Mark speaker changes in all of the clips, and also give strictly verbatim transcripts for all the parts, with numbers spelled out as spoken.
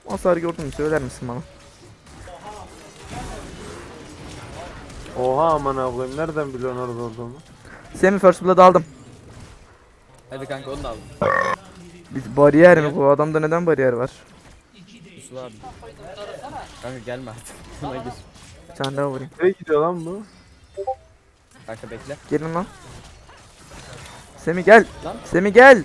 Speaker 1: Hasar gördün mü söyler misin bana?
Speaker 2: Oha aman ablayım, nereden biliyorsun orada olduğumu?
Speaker 1: Semi first blood aldım.
Speaker 3: Hadi kanka onu da aldım.
Speaker 1: Bir bariyer mi bu adamda, neden bariyer var?
Speaker 3: Pusula abi. Kanka gelme artık. Buna gir.
Speaker 1: Bir tane daha vurayım.
Speaker 2: Nereye gidiyor lan bu?
Speaker 3: Kanka bekle.
Speaker 1: Gelin lan. Semi gel.
Speaker 3: Lan.
Speaker 1: Semi gel.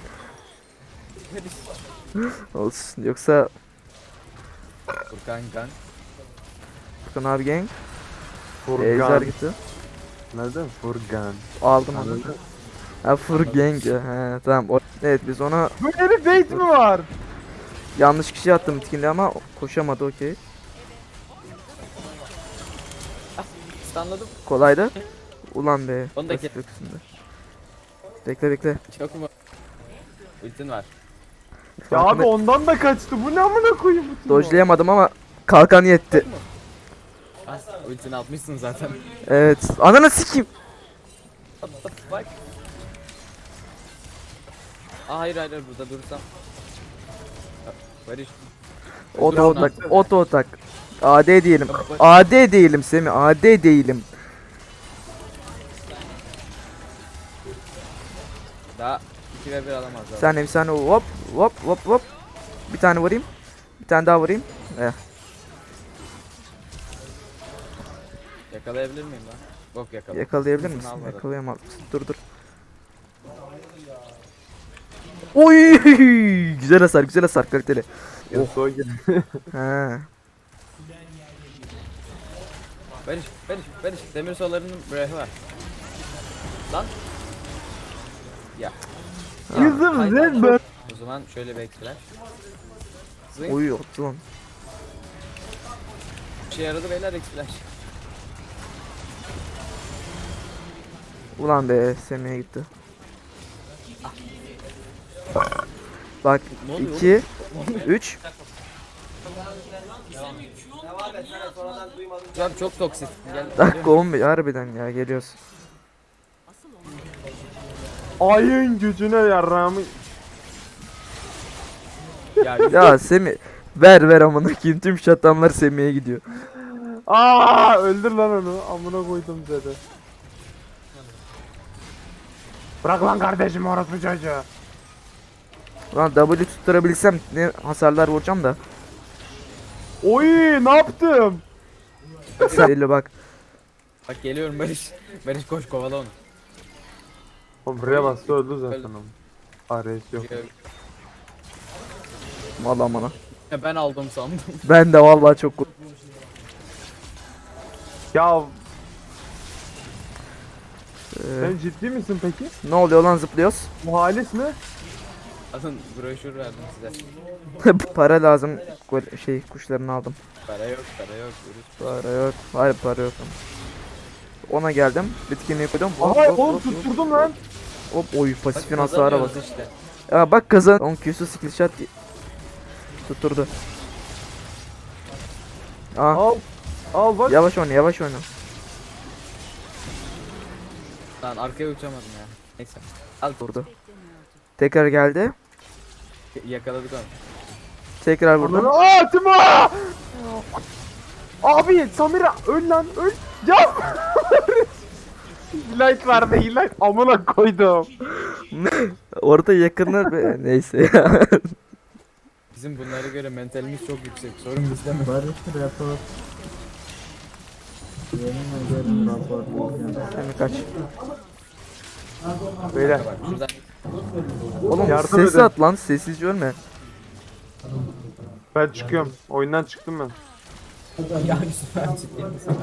Speaker 1: Olsun yoksa
Speaker 3: Furkan kan.
Speaker 1: Furkan abi gang. Ejder
Speaker 2: Furkan.
Speaker 1: gitti.
Speaker 2: Nereden? Furkan.
Speaker 1: Aldım onu.
Speaker 2: Anladın?
Speaker 1: Ha Furgang ya. He tamam. O, evet biz ona
Speaker 2: Böyle bir bait mi var?
Speaker 1: yanlış kişi attım bitkinde ama koşamadı, okey.
Speaker 3: Stunladım.
Speaker 1: Kolaydı. Ulan be.
Speaker 3: Onu da
Speaker 1: basit
Speaker 3: kes.
Speaker 1: öküzünde. Bekle bekle.
Speaker 3: Çok mu? Ultin var.
Speaker 2: Ya abi
Speaker 1: Farkında-
Speaker 2: ondan da kaçtı. Bu ne amına koyayım bu?
Speaker 1: Dodge'layamadım ama kalkan yetti.
Speaker 3: Az ultini atmışsın zaten.
Speaker 1: Evet. Ananı sikeyim.
Speaker 3: What the fuck? Aa hayır hayır hayır, burada dursam. Ha, Barış.
Speaker 1: Oto
Speaker 3: Öldürün
Speaker 1: otak.
Speaker 3: artık.
Speaker 1: Oto otak. A D diyelim.
Speaker 3: Bak, bak.
Speaker 1: A D değilim Semi. A D değilim.
Speaker 3: Daha iki ve bir alamazlar.
Speaker 1: Bir saniye bir saniye hop hop hop hop. Bir tane vurayım. Bir tane daha vurayım. Eh.
Speaker 3: Yakalayabilir miyim lan? Bok yakala.
Speaker 1: Yakalayabilir
Speaker 3: Hızını
Speaker 1: misin?
Speaker 3: al bana.
Speaker 1: Yakalayamaz mısın? Dur dur. Oy! Güzel hasar, güzel hasar, kaliteli.
Speaker 2: Yasuo gel.
Speaker 1: He.
Speaker 3: Barış, Barış, Barış. Demir solarının breath'i var. Lan. Ya.
Speaker 2: Kızım
Speaker 3: Hayır,
Speaker 2: sen ben.
Speaker 3: O zaman şöyle bir ekstralar. Zing.
Speaker 1: Oy yoktu lan.
Speaker 3: Bir şey yaradı beyler ekstralar.
Speaker 1: Ulan be, Semih'e gitti. Bak
Speaker 3: Ne oluyor
Speaker 1: iki üç.
Speaker 3: Abi çok toksik. Gel.
Speaker 1: Dakika on beş harbiden ya, geliyoruz.
Speaker 2: Ayın gücüne yarrağımı.
Speaker 3: Ya,
Speaker 1: Ya Semih ver ver amına koyayım, tüm şatamlar Semih'e gidiyor.
Speaker 2: Aa öldür lan onu. Amına koydum dedi. Bırak lan kardeşim orası çocuğu.
Speaker 1: Ulan W tutturabilsem ne hasarlar vuracağım da.
Speaker 2: Oy ne yaptım?
Speaker 1: Sen elle bak.
Speaker 3: bak geliyorum Barış. Barış koş kovala onu.
Speaker 2: Oğlum buraya bastı öldü zaten
Speaker 3: Öldü.
Speaker 2: ama. Ares yok.
Speaker 1: Vallahi bana.
Speaker 3: Ya ben aldım sandım.
Speaker 1: Ben de vallahi çok kork-
Speaker 2: Ya
Speaker 1: Ee,
Speaker 2: sen ciddi misin peki?
Speaker 1: ne oluyor lan, zıplıyoruz.
Speaker 2: Bu halis ne?
Speaker 3: Alın broşür verdim size.
Speaker 1: Para lazım. Gol- Şey kuşlarını aldım.
Speaker 3: Para yok, para yok. Barış.
Speaker 1: Para yok. Hayır para yok. Ona geldim. Bitkinliği koydum. Hop,
Speaker 2: Aha
Speaker 1: hop,
Speaker 2: oğlum
Speaker 1: hop,
Speaker 2: tutturdum lan.
Speaker 1: hop. Oy pasifin
Speaker 3: Bak,
Speaker 1: hasara bak.
Speaker 3: kazanıyoruz işte.
Speaker 1: Ya bak kazan. on Q'su skill shot tutturdu. Aa,
Speaker 2: Al. Al bak.
Speaker 1: yavaş oyna, yavaş oyna.
Speaker 3: Lan arkaya uçamadım ya. Neyse. Al
Speaker 1: Vurdu. Tekrar geldi.
Speaker 3: yakaladık onu.
Speaker 1: Tekrar vurdum.
Speaker 2: Aa Timo! Abi Samira öl lan öl. Ya. Like verdi like. Amına koydum.
Speaker 1: Orada yakınlar be. Neyse ya.
Speaker 3: Bizim bunlara göre mentalimiz çok yüksek. Sorun bizde mi?
Speaker 4: Barış rapor. Yemin ederim rapor.
Speaker 1: Hemen kaç.
Speaker 2: Beyler.
Speaker 3: Bak şuradan.
Speaker 1: Oğlum
Speaker 2: Yardım
Speaker 1: sesi
Speaker 2: edin.
Speaker 1: at lan, sessizce ölme.
Speaker 2: Ben çıkıyorum. Oyundan çıktım ben.
Speaker 3: Ya Yusuf ben ciddi misin?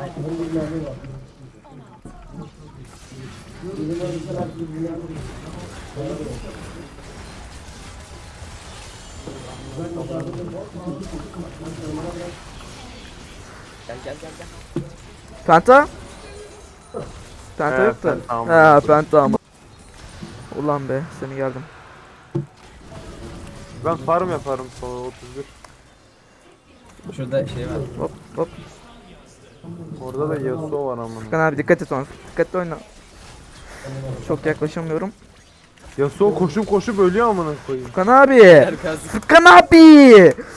Speaker 3: Gel gel gel gel.
Speaker 1: Penta? Penta
Speaker 2: He,
Speaker 1: yok da.
Speaker 2: penta ama.
Speaker 1: Ha penta ama. Ulan be, seni geldim.
Speaker 2: Ben farm yaparım sonra otuz bir.
Speaker 3: Şurada şey var.
Speaker 1: Hop hop.
Speaker 2: Orada da Yasuo var amına.
Speaker 1: Furkan abi dikkat et ona. Dikkatli oyna. Çok yaklaşamıyorum.
Speaker 2: Yasuo koşup koşup ölüyor amına koyayım.
Speaker 1: Furkan abi.
Speaker 3: Herkes
Speaker 1: Furkan abi.